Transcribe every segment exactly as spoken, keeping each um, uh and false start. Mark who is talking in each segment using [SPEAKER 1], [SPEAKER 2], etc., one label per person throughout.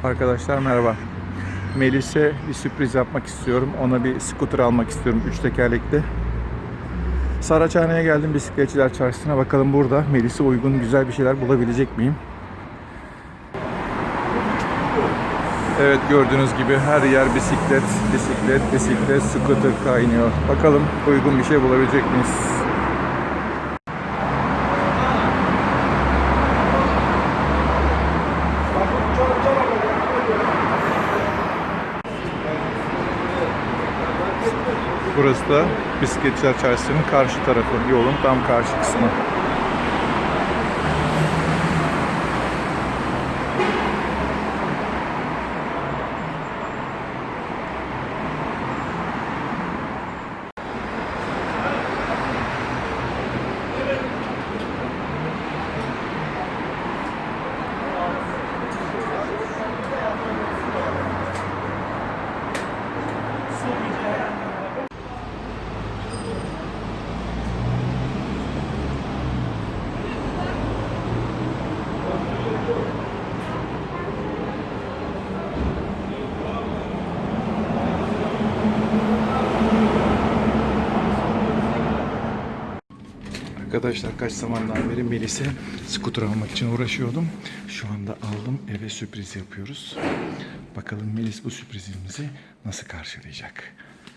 [SPEAKER 1] Arkadaşlar merhaba. Melis'e bir sürpriz yapmak istiyorum. Ona bir scooter almak istiyorum. Üç tekerlekli. Saraçhane'ye geldim, bisikletçiler çarşısına. Bakalım burada Melis'e uygun güzel bir şeyler bulabilecek miyim? Evet, gördüğünüz gibi her yer bisiklet, bisiklet, bisiklet, scooter kaynıyor. Bakalım uygun bir şey bulabilecek miyiz? Burası da bisikletçiler çarşısının karşı tarafı, yolun tam karşı kısmı. Arkadaşlar kaç zamandan beri Melis'e scooter almak için uğraşıyordum. Şu anda aldım, eve sürpriz yapıyoruz. Bakalım Melis bu sürprizimizi nasıl karşılayacak?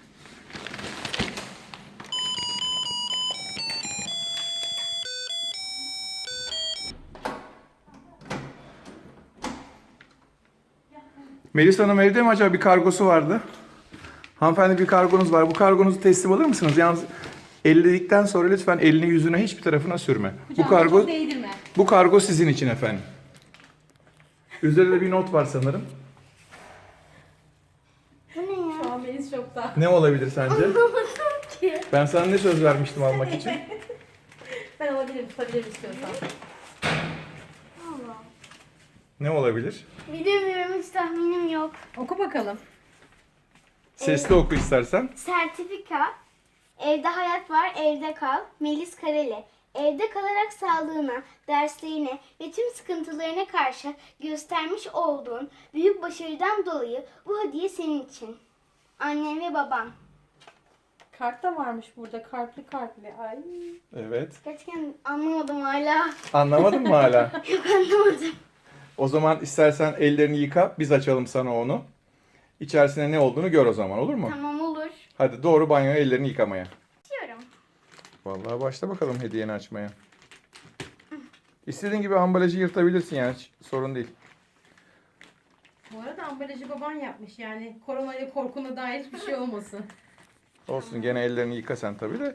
[SPEAKER 1] Melis Hanım evde mi acaba? Bir kargosu vardı. Hanımefendi, bir kargonuz var. Bu kargonuzu teslim alır mısınız? Yalnız elledikten sonra lütfen elini yüzüne hiçbir tarafına sürme.
[SPEAKER 2] Hocam,
[SPEAKER 1] bu kargo
[SPEAKER 2] çok değdirme.
[SPEAKER 1] Bu kargo sizin için efendim. Üzerinde bir not var sanırım.
[SPEAKER 3] Bu ne ya?
[SPEAKER 2] Şu an Melis şokta.
[SPEAKER 1] Ne olabilir sence?
[SPEAKER 3] Anlamadım ki.
[SPEAKER 1] Ben sana ne söz vermiştim almak için?
[SPEAKER 2] Ben alabilirim, tutabilirim istiyorsan.
[SPEAKER 3] Allah.
[SPEAKER 1] Ne olabilir?
[SPEAKER 3] Bilemiyorum, hiç tahminim yok.
[SPEAKER 2] Oku bakalım.
[SPEAKER 1] Sesli oku istersen.
[SPEAKER 3] Sertifika. Evde hayat var, evde kal. Melis Kareli. Evde kalarak sağlığına, derslerine ve tüm sıkıntılarına karşı göstermiş olduğun büyük başarıdan dolayı bu hediye senin için. Annem ve babam.
[SPEAKER 2] Kart da varmış burada. Kartlı kartlı. Ay.
[SPEAKER 1] Evet.
[SPEAKER 3] Gerçekten anlamadım hala.
[SPEAKER 1] Anlamadın mı hala?
[SPEAKER 3] Yok, anlamadım.
[SPEAKER 1] O zaman istersen ellerini yıka, biz açalım sana onu. İçerisinde ne olduğunu gör o zaman, olur mu?
[SPEAKER 3] Tamam, olur.
[SPEAKER 1] Hadi doğru banyoya ellerini yıkamaya.
[SPEAKER 3] Diyorum.
[SPEAKER 1] Vallahi başla bakalım hediyeni açmaya. İstediğin gibi ambalajı yırtabilirsin yani, hiç sorun değil.
[SPEAKER 2] Bu arada ambalajı baban yapmış yani. Koronayla korkuna dair hiçbir şey olmasın.
[SPEAKER 1] Olsun, gene ellerini yıka sen tabii de.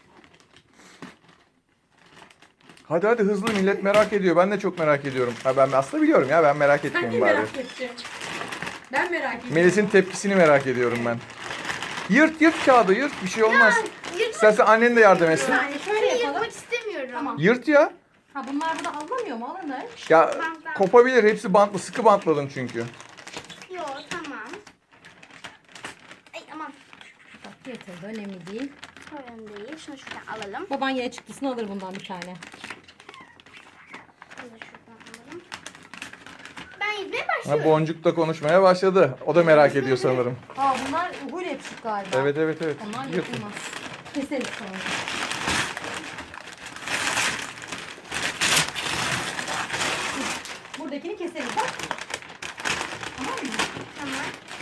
[SPEAKER 1] Hadi hadi hızlı, millet merak ediyor. Ben de çok merak ediyorum. Ha, ben aslında biliyorum ya, ben merak
[SPEAKER 2] Ben de
[SPEAKER 1] etmeyeyim bari.
[SPEAKER 2] merak ettim. Ben merak ettim.
[SPEAKER 1] Melis'in tepkisini merak ediyorum ben. Yırt yırt kağıdı, yırt, bir şey olmaz.
[SPEAKER 3] Yırtmak,
[SPEAKER 1] İstersen annen de yardım etsin.
[SPEAKER 2] Yani şöyle yapalım.
[SPEAKER 3] yırtmak istemiyorum.
[SPEAKER 2] Tamam.
[SPEAKER 1] Yırt ya.
[SPEAKER 2] Ha, bunlar burada alınamıyor mu? Alınır.
[SPEAKER 1] Ya
[SPEAKER 3] Tamam, tamam.
[SPEAKER 1] kopabilir, hepsi bantlı, sıkı bantladım çünkü.
[SPEAKER 3] Yok, tamam. Ay aman.
[SPEAKER 2] Bak, getirdi. Önemli değil.
[SPEAKER 3] Sorun değil. Şunu şuradan alalım.
[SPEAKER 2] Baban yine çıktısını alır bundan bir tane.
[SPEAKER 3] Şunu da şuradan alalım. Ben yüzmeye
[SPEAKER 1] Ha,
[SPEAKER 3] başlıyorum.
[SPEAKER 1] Boncuk da konuşmaya başladı. O da merak ediyor sanırım.
[SPEAKER 2] Aa, bunlar uhuyla yapışık galiba.
[SPEAKER 1] Evet evet evet.
[SPEAKER 2] Onlar
[SPEAKER 1] Yırt.
[SPEAKER 2] yapılmaz. Keseriz sonra. Buradakini keseriz bak. Tamam mı?
[SPEAKER 3] Tamam.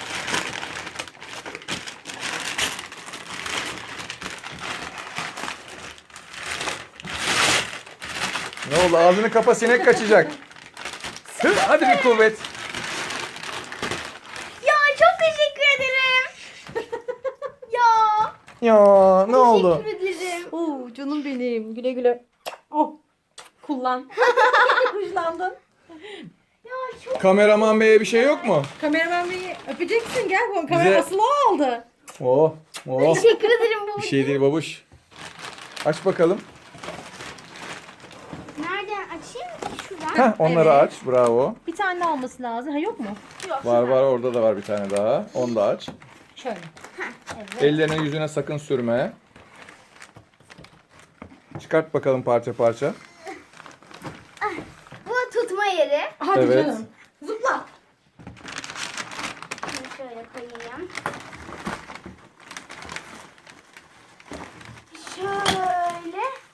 [SPEAKER 1] Ne oldu? Ağzını kapa, sinek kaçacak. Hı, hadi bir kuvvet.
[SPEAKER 3] Ya çok teşekkür ederim. ya.
[SPEAKER 1] Ya ne oldu?
[SPEAKER 3] Teşekkür ederim.
[SPEAKER 2] Oo, canım benim. Güle güle. Oh. Kullan. Kuşlandın.
[SPEAKER 3] Ya çok
[SPEAKER 1] Kameraman beye bir şey yok mu?
[SPEAKER 2] Kameraman beyi öpeceksin. Gel bu kamera
[SPEAKER 1] Bize-
[SPEAKER 2] asılı aldı.
[SPEAKER 1] Oh, oh.
[SPEAKER 3] teşekkür ederim bu.
[SPEAKER 1] Bir şey değil babuş. Aç bakalım.
[SPEAKER 3] Nereden açayım? Şuradan.
[SPEAKER 1] Heh, onları
[SPEAKER 2] Evet.
[SPEAKER 1] aç. Bravo.
[SPEAKER 2] Bir tane daha olması lazım. Ha, yok mu?
[SPEAKER 3] Yok,
[SPEAKER 1] Var
[SPEAKER 3] şuradan.
[SPEAKER 1] var, orada da var bir tane daha. Onu da aç.
[SPEAKER 2] Şöyle.
[SPEAKER 3] Evet.
[SPEAKER 1] Ellerine yüzüne sakın sürme. Çıkart bakalım parça parça.
[SPEAKER 3] Bu tutma yeri.
[SPEAKER 2] Hadi
[SPEAKER 1] Evet.
[SPEAKER 2] canım. Zıpla.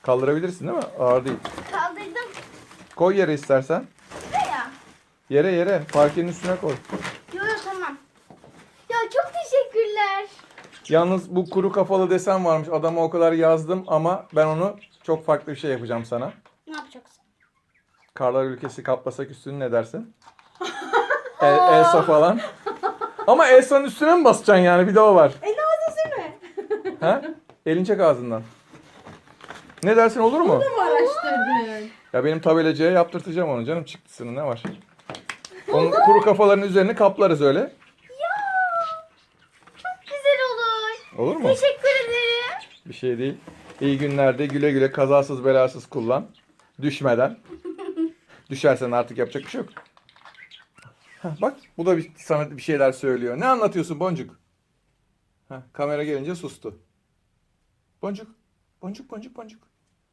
[SPEAKER 1] Kaldırabilirsin değil mi? Ağır değil.
[SPEAKER 3] Kaldırdım.
[SPEAKER 1] Koy yere istersen.
[SPEAKER 3] Buraya.
[SPEAKER 1] Yere yere. Parkenin üstüne koy.
[SPEAKER 3] Yok yok tamam. Ya çok teşekkürler.
[SPEAKER 1] Yalnız bu kuru kafalı desen varmış. Adama o kadar yazdım ama ben onu çok farklı bir şey yapacağım sana.
[SPEAKER 3] Ne yapacaksın?
[SPEAKER 1] Karlar ülkesi kaplasak üstünü ne dersin? El, Elsa falan. Ama Elsa'nın üstüne mi basacaksın yani? Bir de o var.
[SPEAKER 2] E ağzı sürme.
[SPEAKER 1] Ha? Elin çek ağzından. Ne dersin, olur mu?
[SPEAKER 2] Bunu mu araştırdın?
[SPEAKER 1] Ya benim tabelacıya yaptırtacağım onu canım, çıktısını, ne var? Onun kuru kafaların üzerini kaplarız öyle.
[SPEAKER 3] Ya çok güzel olur.
[SPEAKER 1] Olur mu?
[SPEAKER 3] Teşekkür ederim.
[SPEAKER 1] Bir şey değil. İyi günlerde güle güle, kazasız belasız kullan. Düşmeden. Düşersen artık yapacak bir şey yok. Heh, bak bu da bir, sana bir şeyler söylüyor. Ne anlatıyorsun Boncuk? Heh, kamera gelince sustu. Boncuk. Boncuk boncuk boncuk.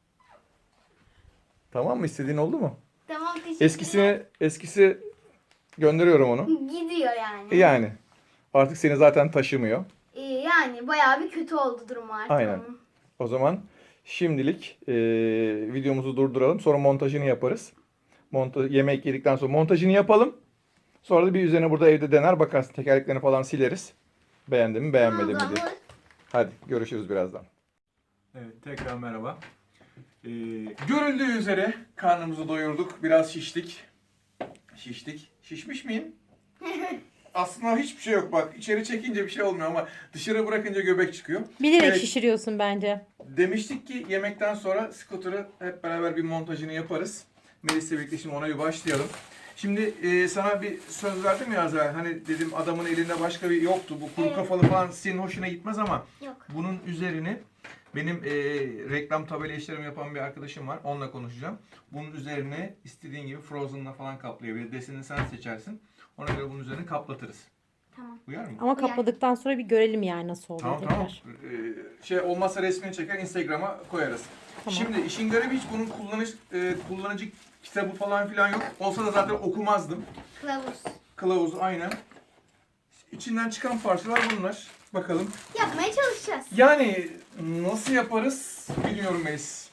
[SPEAKER 1] Tamam mı? İstediğin oldu mu?
[SPEAKER 3] Tamam teşekkürler.
[SPEAKER 1] Eskisini, eskisi gönderiyorum onu.
[SPEAKER 3] Gidiyor yani.
[SPEAKER 1] Yani. Artık seni zaten taşımıyor.
[SPEAKER 3] Ee, yani bayağı bir kötü oldu durum artık.
[SPEAKER 1] Aynen.
[SPEAKER 3] onun.
[SPEAKER 1] O zaman şimdilik e, videomuzu durduralım. Sonra montajını yaparız. Monta yemek yedikten sonra montajını yapalım. Sonra da bir üzerine burada evde dener bakarsın. Tekerleklerini falan sileriz. Beğendi mi beğenmedi mi
[SPEAKER 3] Tamam,
[SPEAKER 1] diye.
[SPEAKER 3] olur.
[SPEAKER 1] Hadi görüşürüz birazdan. Evet, tekrar merhaba. Ee, görüldüğü üzere karnımızı doyurduk. Biraz şiştik. Şiştik. Şişmiş miyim? Aslında hiçbir şey yok bak. İçeri çekince bir şey olmuyor ama dışarı bırakınca göbek çıkıyor.
[SPEAKER 2] Bilerek
[SPEAKER 1] Evet.
[SPEAKER 2] şişiriyorsun bence.
[SPEAKER 1] Demiştik ki yemekten sonra scooter'ı hep beraber bir montajını yaparız. Melis'le birlikte şimdi ona bir başlayalım. Şimdi e, sana bir söz verdim ya az evvel. Hani dedim adamın elinde başka bir yoktu. Bu kuru
[SPEAKER 3] Evet.
[SPEAKER 1] kafalı falan senin hoşuna gitmez ama
[SPEAKER 3] Yok.
[SPEAKER 1] bunun üzerini benim e, reklam tabela işlerimi yapan bir arkadaşım var. Onunla konuşacağım. Bunun üzerine istediğin gibi Frozen'la falan kaplayabilir. Desenini sen seçersin. Ona göre bunun üzerine kaplatırız.
[SPEAKER 3] Tamam.
[SPEAKER 1] Uyar mı?
[SPEAKER 2] Ama kapladıktan sonra bir görelim yani nasıl oluyor
[SPEAKER 1] Tamam
[SPEAKER 2] tekrar.
[SPEAKER 1] tamam. Ee, şey olmazsa resmini çeker Instagram'a koyarız.
[SPEAKER 2] Tamam.
[SPEAKER 1] Şimdi işin garibi hiç bunun kullanış e, kullanıcı kitabı falan filan yok. Olsa da zaten okumazdım.
[SPEAKER 3] Kılavuz.
[SPEAKER 1] Kılavuz aynen. İçinden çıkan parçalar bunlar. Bakalım.
[SPEAKER 3] Yapmaya çalışacağız.
[SPEAKER 1] Yani nasıl yaparız bilmiyorum Melis.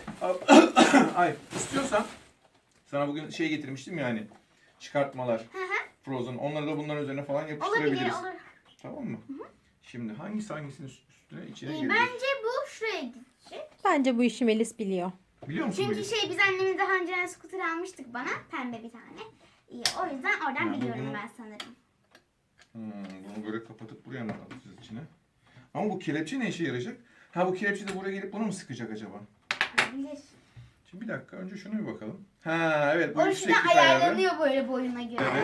[SPEAKER 1] Ay istiyorsan sana bugün şey getirmiştim yani çıkartmalar. Frozen. Onları da bunların üzerine falan
[SPEAKER 3] Olabilir
[SPEAKER 1] yapıştırabiliriz.
[SPEAKER 3] olur.
[SPEAKER 1] Tamam mı? Şimdi hangisi hangisinin üstüne içine
[SPEAKER 3] Ee,
[SPEAKER 1] girecek?
[SPEAKER 3] bence bu şuraya gidecek.
[SPEAKER 2] Bence bu işi Melis biliyor.
[SPEAKER 1] Biliyor musun
[SPEAKER 3] Çünkü
[SPEAKER 1] Melis?
[SPEAKER 3] şey biz annemle daha önceden scooter almıştık bana. Pembe bir tane. İyi, o yüzden oradan
[SPEAKER 1] Ha, bu
[SPEAKER 3] biliyorum
[SPEAKER 1] bunu-
[SPEAKER 3] ben sanırım.
[SPEAKER 1] Hmm, bunu böyle kapatıp buraya mı atacağız içine? Ama bu kelepçe ne işe yarayacak? Ha bu kelepçe de buraya gelip bunu mu sıkacak acaba?
[SPEAKER 3] Olabilir.
[SPEAKER 1] Şimdi bir dakika önce şuna bir bakalım. Ha evet bu
[SPEAKER 3] O
[SPEAKER 1] yükseklik
[SPEAKER 3] yüzden
[SPEAKER 1] ayarı.
[SPEAKER 3] ayarlanıyor böyle boyuna göre.
[SPEAKER 1] Evet.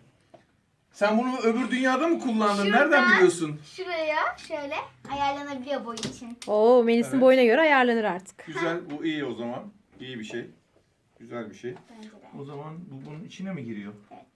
[SPEAKER 1] Sen bunu öbür dünyada mı kullandın?
[SPEAKER 3] Şuradan-
[SPEAKER 1] Nereden biliyorsun?
[SPEAKER 3] Şuraya şöyle ayarlanabiliyor boy için.
[SPEAKER 2] Oo Melis'in
[SPEAKER 1] Evet.
[SPEAKER 2] boyuna göre ayarlanır artık.
[SPEAKER 1] Güzel, bu iyi o zaman. İyi bir şey. Güzel bir şey.
[SPEAKER 3] Bence de.
[SPEAKER 1] O zaman bu bunun içine mi giriyor?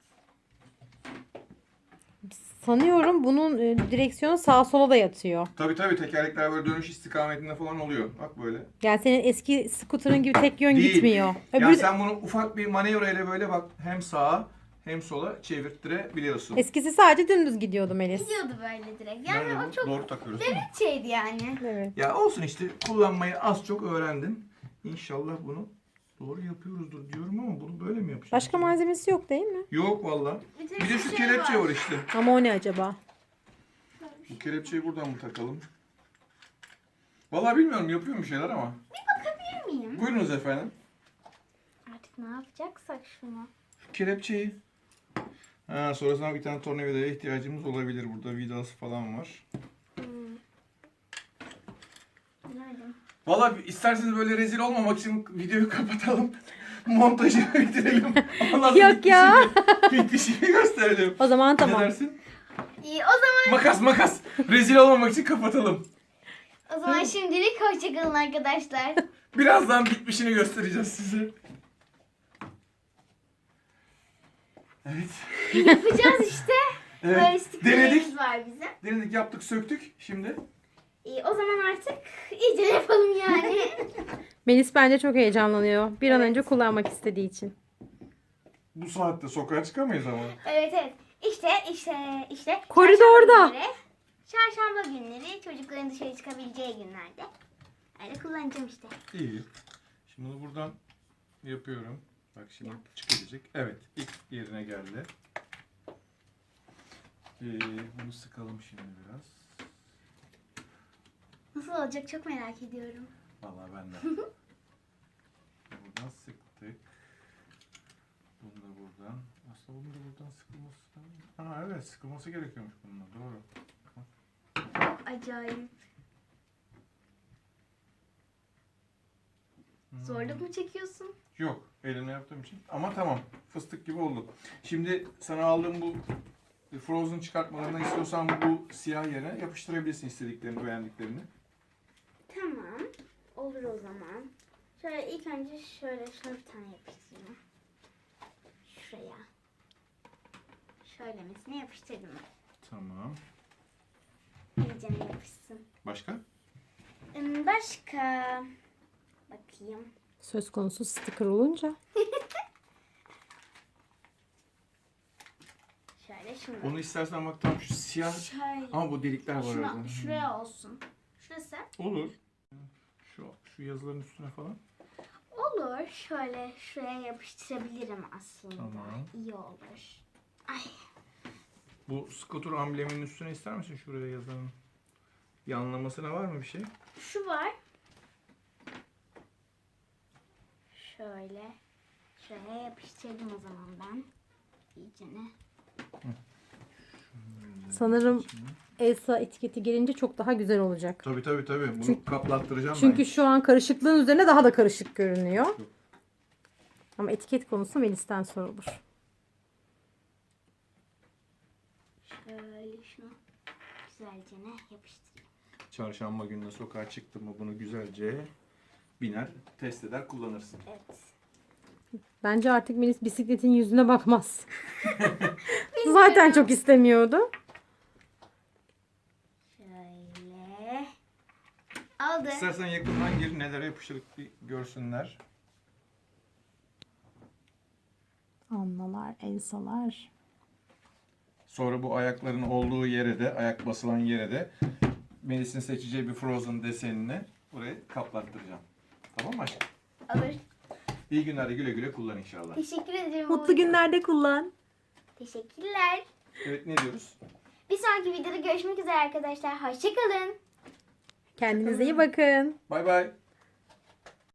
[SPEAKER 2] Sanıyorum bunun e, direksiyonu sağa sola da yatıyor.
[SPEAKER 1] Tabii tabii tekerlekler böyle dönüş istikametinde falan oluyor. Bak böyle.
[SPEAKER 2] Yani senin eski scooter'ın gibi tek yön
[SPEAKER 1] Değil.
[SPEAKER 2] gitmiyor.
[SPEAKER 1] Yani
[SPEAKER 2] Öbür
[SPEAKER 1] sen bunu ufak bir manevra ile böyle bak hem sağa hem sola çevirttirebiliyorsun.
[SPEAKER 2] eskisi sadece dümdüz gidiyordu Melis.
[SPEAKER 3] Gidiyordu böyle direkt. Yani
[SPEAKER 1] Nerede
[SPEAKER 3] o
[SPEAKER 1] bu?
[SPEAKER 3] çok
[SPEAKER 1] Doğru takıyoruz değil mi?
[SPEAKER 3] şeydi yani.
[SPEAKER 2] Evet.
[SPEAKER 1] Ya olsun işte kullanmayı az çok öğrendim. İnşallah bunu doğru yapıyoruzdur diyorum ama bunu böyle mi yapacağız?
[SPEAKER 2] Başka malzemesi yok değil mi?
[SPEAKER 1] Yok valla.
[SPEAKER 3] Bir tek
[SPEAKER 1] Bir de
[SPEAKER 3] şu
[SPEAKER 1] şu
[SPEAKER 3] şey
[SPEAKER 1] kelepçe
[SPEAKER 3] var.
[SPEAKER 1] var işte.
[SPEAKER 2] Ama o ne acaba?
[SPEAKER 1] Bu kelepçeyi buradan mı takalım? Valla bilmiyorum yapıyor mu şeyler ama.
[SPEAKER 3] Bilir miyim?
[SPEAKER 1] Buyurunuz efendim.
[SPEAKER 3] Artık ne yapacaksak şunu.
[SPEAKER 1] Şu kelepçeyi. Ha, sonrasında bir tane tornavidaya ihtiyacımız olabilir. Burada vidası falan var.
[SPEAKER 3] Bilemedim.
[SPEAKER 1] Valla isterseniz böyle rezil olmamak için videoyu kapatalım. Montajı bitirelim. Ondan sonra
[SPEAKER 2] Yok ya.
[SPEAKER 1] bitişini- Bitişini gösterelim.
[SPEAKER 2] O zaman
[SPEAKER 1] Ne
[SPEAKER 2] tamam.
[SPEAKER 1] dersin?
[SPEAKER 3] İyi o zaman
[SPEAKER 1] Makas makas. Rezil olmamak için kapatalım.
[SPEAKER 3] o zaman şimdilik hoşçakalın arkadaşlar.
[SPEAKER 1] Birazdan bitmişini göstereceğiz size. Evet.
[SPEAKER 3] Yapacağız işte. Böyle
[SPEAKER 1] Evet.
[SPEAKER 3] stickerlerimiz
[SPEAKER 1] Denedik.
[SPEAKER 3] var bizim.
[SPEAKER 1] Denedik yaptık söktük. Şimdi.
[SPEAKER 3] İyi o zaman artık iyice yapalım yani.
[SPEAKER 2] Melis bence çok heyecanlanıyor. Bir an
[SPEAKER 3] Evet.
[SPEAKER 2] önce kullanmak istediği için.
[SPEAKER 1] Bu saatte sokağa çıkamayız ama.
[SPEAKER 3] Evet evet. İşte işte işte.
[SPEAKER 2] Koridorda.
[SPEAKER 3] Çarşamba günleri, çarşamba günleri çocukların dışarı çıkabileceği günlerde. Öyle kullanacağım işte.
[SPEAKER 1] İyi. Şimdi bunu buradan yapıyorum. Bak şimdi
[SPEAKER 3] Yap.
[SPEAKER 1] çıkacak. Evet. ilk yerine geldi. Ee, bunu sıkalım şimdi biraz.
[SPEAKER 3] Nasıl olacak çok merak ediyorum.
[SPEAKER 1] Vallahi ben de. Buradan sıktık. Bunu da buradan. Aslında bunu da buradan sıkılması. Ha evet, sıkılması gerekiyormuş bununla. Doğru.
[SPEAKER 3] Acayip.
[SPEAKER 1] Hmm.
[SPEAKER 3] Zorluk mu çekiyorsun?
[SPEAKER 1] Yok, elimle yaptığım için. Ama tamam, fıstık gibi oldu. Şimdi sana aldığım bu Frozen çıkartmalarından istiyorsan bu siyah yerine yapıştırabilirsin istediklerini, beğendiklerini.
[SPEAKER 3] Tamam. Olur o zaman. Şöyle ilk önce şöyle şunu bir tane yapıştırayım. Şuraya. Şöylemesine yapıştırdım.
[SPEAKER 1] Tamam.
[SPEAKER 3] İyice yapışsın.
[SPEAKER 1] Başka?
[SPEAKER 3] Hmm, Başka. Bakayım.
[SPEAKER 2] Söz konusu sticker olunca.
[SPEAKER 3] Şöyle şunu.
[SPEAKER 1] Onu istersen bak tam şu siyah
[SPEAKER 3] Şöyle.
[SPEAKER 1] ama bu delikler var
[SPEAKER 3] Şuna,
[SPEAKER 1] orada.
[SPEAKER 3] şuraya olsun. Şurası.
[SPEAKER 1] Olur. Şu şu yazıların üstüne falan.
[SPEAKER 3] Olur. Şöyle şuraya yapıştırabilirim aslında.
[SPEAKER 1] Tamam.
[SPEAKER 3] İyi olur. Ay.
[SPEAKER 1] Bu skuter ambleminin üstüne ister misin şuraya yazanın? Yanlamasına var mı bir şey?
[SPEAKER 3] Şu var. Şöyle. Şuraya yapıştırdım o zaman ben. İyicene.
[SPEAKER 2] Sanırım Elsa etiketi gelince çok daha güzel olacak.
[SPEAKER 1] Tabii tabii tabii. Bunu
[SPEAKER 2] Çünkü-
[SPEAKER 1] kaplattıracağım
[SPEAKER 2] Çünkü
[SPEAKER 1] ben.
[SPEAKER 2] şu an karışıklığın üzerine daha da karışık görünüyor. Ama etiket konusu Melis'ten sorulur.
[SPEAKER 3] Şöyle şunu güzelce yapıştırayım.
[SPEAKER 1] Çarşamba gününe sokağa çıktın mı bunu güzelce biner, test eder, kullanırsın.
[SPEAKER 3] Evet.
[SPEAKER 2] Bence artık Melis bisikletin yüzüne bakmaz. Zaten çok istemiyordu.
[SPEAKER 3] Şöyle. Aldı.
[SPEAKER 1] İstersen yakından gir, nelere yapıştırıp bir görsünler.
[SPEAKER 2] Annalar, Elsa'lar.
[SPEAKER 1] Sonra bu ayakların olduğu yere de, ayak basılan yere de Melis'in seçeceği bir Frozen desenini buraya kaplattıracağım. Tamam mı aşkım?
[SPEAKER 3] Alır.
[SPEAKER 1] İyi günlerde güle güle kullan inşallah.
[SPEAKER 3] Teşekkür ederim.
[SPEAKER 2] Mutlu günlerde kullan.
[SPEAKER 3] Teşekkürler.
[SPEAKER 1] Evet, ne diyoruz?
[SPEAKER 3] Bir sonraki videoda görüşmek üzere arkadaşlar. Hoşçakalın.
[SPEAKER 2] Kendinize iyi bakın.
[SPEAKER 1] Bay bay.